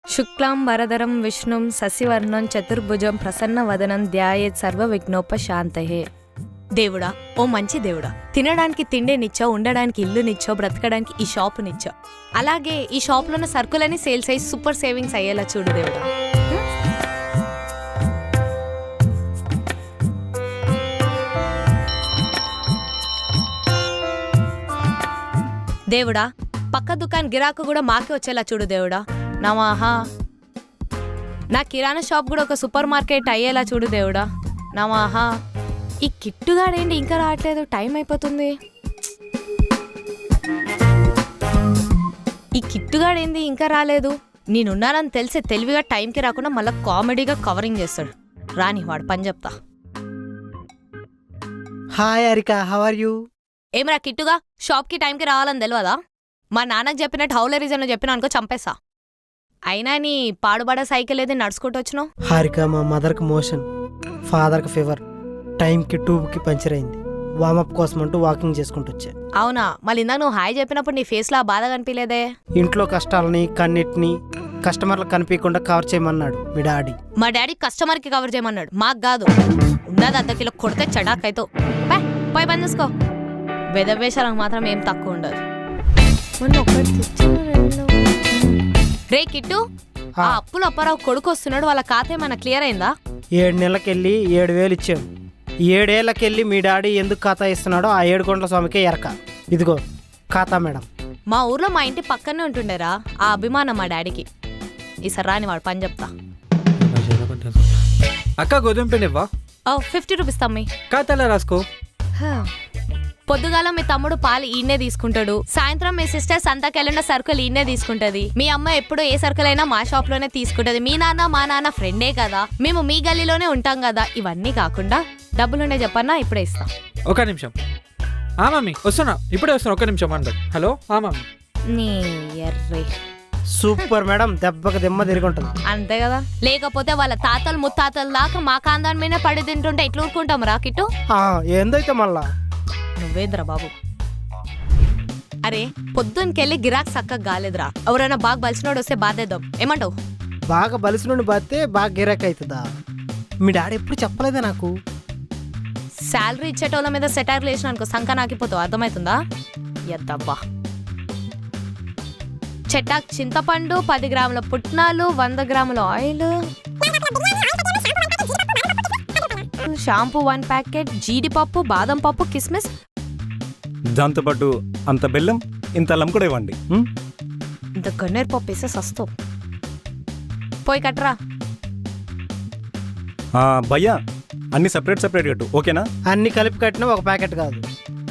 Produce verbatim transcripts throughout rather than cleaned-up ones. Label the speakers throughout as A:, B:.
A: శుక్లాం వరదరం విష్ణుం శశివర్ణం చతుర్భుజం ప్రసన్నవదనం ధ్యాయేత్ సర్వ విఘ్నోపశాంతయే. దేవుడా, ఓ మంచి దేవుడా, తినడానికి తిండినిచ్చో, ఉండడానికి ఇల్లునిచ్చో, బ్రతకడానికి ఈ షాపునిచ్చో, అలాగే ఈ షాప్లోని సరుకులని సేల్స్ అయ్యి సూపర్ సేవింగ్స్ అయ్యేలా చూడు దేవుడా. దేవుడా, పక్క దుకాణం గిరాకు కూడా మాకే వచ్చేలా చూడు దేవుడా. నమః. నా కిరాణా షాప్ కూడా ఒక సూపర్ మార్కెట్ అయ్యేలా చూడు దేవుడా. నమః. ఈ కిట్టుగాడేంటి ఇంకా రావట్లేదు, టైం అయిపోతుంది. ఈ కిట్టుగాడేంది ఇంకా రాలేదు. నేనున్నానని తెలిసే తెలివిగా టైంకి రాకుండా మళ్ళీ కామెడీగా కవరింగ్ చేస్తాడు. రాని వాడు పని చెప్తా.
B: Hi Harika, how are you?
A: ఏమరా కిట్టుగా, షాప్కి టైంకి రావాలని తెలియదా? మా నాన్నకు చెప్పినట్టు హౌలే రీజన్ చెప్పిన అనుకో చంపేసా. అయినా నీ పాడుబడ సైకిల్ ఏది నడుచుకుంటూ వచ్చినావు?
B: హారిక, మా మదర్కి మోషన్, ఫాదర్కి ఫీవర్, టైంకి ట్యూబ్కి పంచర్ అయింది. వామప్ కోసం అంటూ వాకింగ్ చేసుకుంటూ వచ్చా.
A: అవునా? మళ్ళీ ఇందాక నువ్వు హాయ్ చెప్పినప్పుడు నీ ఫేస్లో ఆ బాధ కనిపించలేదే?
B: ఇంట్లో కష్టాలని కన్నిటిని కస్టమర్లకు కనిపించకుండా కవర్ చేయమన్నాడు మీ డాడీ.
A: మా డాడీ కస్టమర్కి కవర్ చేయమన్నాడు, మాకు కాదు. ఉన్నది అర్ధ కిలో కొడితే చడాకైతో పోయి పని చూసుకో. వెదవేషాలకు మాత్రం ఏం తక్కువ ఉండదు. రే కిట్టు, ఆ అప్పులు అప్పారావు కొడుకు వస్తున్నాడు, వాళ్ళ ఖాతా ఏమైనా క్లియర్ అయిందా?
B: ఏడు నెలలకెళ్ళి ఏడు వేలు ఇచ్చాడు. ఏడేళ్లకెళ్ళి మీ డాడీ ఎందుకు ఖాతా ఇస్తున్నాడో ఆ ఏడు కొండల స్వామికే ఎరక. ఇదిగో ఖాతా మేడం.
A: మా ఊర్లో మా ఇంటి పక్కనే ఉంటుండేరా, ఆ అభిమానం మా డాడీకి. ఈసారి రాని వాడు పని చెప్తా.
C: అక్క గోధుమ పిండి ఇవ్వా?
A: ఫిఫ్టీ రూపీస్ తమ్మి.
C: ఖాతాలో రాసుకో.
A: పొద్దుగాల మీ తమ్ముడు పాలు ఈయనే తీసుకుంటాడు, సాయంత్రం మీ సిస్టర్ సంతకెళ్ళిన సరుకులు ఈయనే తీసుకుంటది, మీ అమ్మ ఎప్పుడు ఏ సరుకులైనా మా షాప్ లోనే తీసుకుంటది, మీ నాన్న మా నాన్న ఫ్రెండే కదా, మేము మీ గల్లీలోనే ఉంటాం కదా. ఇవన్నీ కాకుండా డబ్బులుండే చెప్పన్నా, ఇప్పుడే ఇస్తా.
C: ఒక నిమిషం. ఆ మమ్మీ వస్తున్నా, ఇప్పుడే వస్తున్నా, ఒక నిమిషం అంటారు. హలో ఆ మమ్మీ.
A: నీ ఎర్రే
B: సూపర్ మేడం, దెబ్బకి దిమ్మ తిరిగి ఉంటుంది.
A: అంతే కదా, లేకపోతే వాళ్ళ తాతలు ముత్తాతలు దాకా మా కాందాని మీద పడి తింటుంటే ఎట్లా ఊరుకుంటాం రా కిట్టు?
B: ఏందైతే మళ్ళా
A: నువ్వేంద్రా బాబు. అరే పొద్దునకెళ్ళి గిరాక్ సక్కగా గాలేదురా, ఎవరైనా బాగా బలిసినోడు వస్తే బాధేద్దాం, ఏమంటావు?
B: బాగా బలిసి నుండి బాతే బాగా గిరాక్ అవుతుందా? మీ డాడీ ఎప్పుడు చెప్పలేదా నాకు?
A: శాలరీ ఇచ్చేటోళ్ళ మీద సెటైర్లు వేసిన అనుకో సంక నాకిపోతావు, అర్థమవుతుందా? ఎద్దబ్బా. చెట్టాక్ చింతపండు, పది గ్రాముల పుట్నాలు, వంద గ్రాముల ఆయిల్, షాంపూ వన్ ప్యాకెట్, జీడిపప్పు, బాదం పప్పు, కిస్మిస్,
D: దాంతోపాటు అంత బెల్లం, ఇంత అల్లం కూడా ఇవ్వండి.
A: ఇంత గన్నేరు పప్పు వేస్తే సస్తావు. పోయి కట్టరా.
D: భయ్యా అన్ని సపరేట్ సపరేట్ కట్టు, ఓకేనా?
B: అన్ని కలిపి కట్టినా ఒక ప్యాకెట్ కాదు.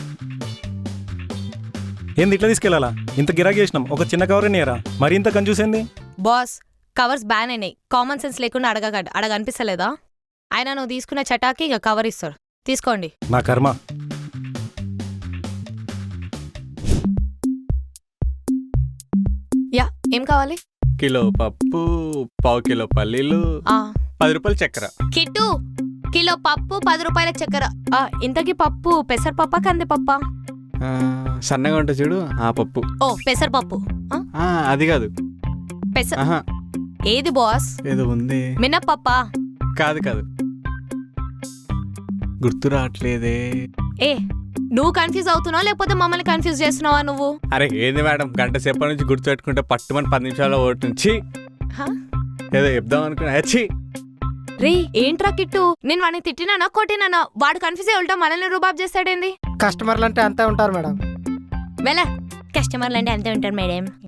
D: ఏంది ఇట్లా తీసుకెళ్ళాలా? ఇంత గిరాకీ చేసినాం, ఒక చిన్న కవర్ నేరా, మరి ఇంత కన్ఫ్యూజ్.
A: బాస్, కవర్స్ బ్యాన్ అయినాయి, కామన్ సెన్స్ లేకుండా అడగ అడగ అనిపిస్తలేదా? ఆయన నువ్వు తీసుకున్న చటాకి ఇక కవర్ ఇస్తాడు, తీసుకోండి.
D: నా కర్మ.
A: యా, ఏం కావాలి?
C: కిలో పప్పు, పావు కిలో పల్లీలు, పది రూపాయలు చక్కెర.
A: కిట్టు, కిలో పప్పు, పది రూపాయల చక్కెర. ఇంతకీ పప్పు పెసరపప్ప కందిపప్ప?
C: సన్నగా ఉంటుంది చూడు, ఆ పప్పు.
A: ఓ పెసరపప్పు.
C: అది కాదు.
A: పెసర ఏది బాస్?
C: ఏదో ఉంది.
A: మినప్పప్ప?
C: కాదు కాదు, గుర్తు రావట్లేదే.
A: ఏ నువ్వు కన్ఫ్యూజ్ అవుతున్నావు లేకపోతే మమ్మల్ని కన్ఫ్యూజ్ చేస్తున్నావా నువ్వు?
C: అరే ఏంది మేడం, గంట సేపటి నుంచి గుర్తు పెట్టుకుంటే పట్టుమని పది నిమిషాల్లో ఓటు నుంచి ఏదో చెప్దాం అనుకున్నా. వచ్చి
A: రే ఏంట్రా కిట్టు, నేను వాడిని తిట్టినానా కొట్టినానా? వాడు కన్ఫ్యూజ్ అయ్యి ఉంటా మనల్ని రూబాబ్ చేస్తాడేంది?
B: కస్టమర్లు అంటే అంతే ఉంటారు మేడం.
A: వెళ్ళ, కస్టమర్లు అంటే అంతే ఉంటారు మేడం.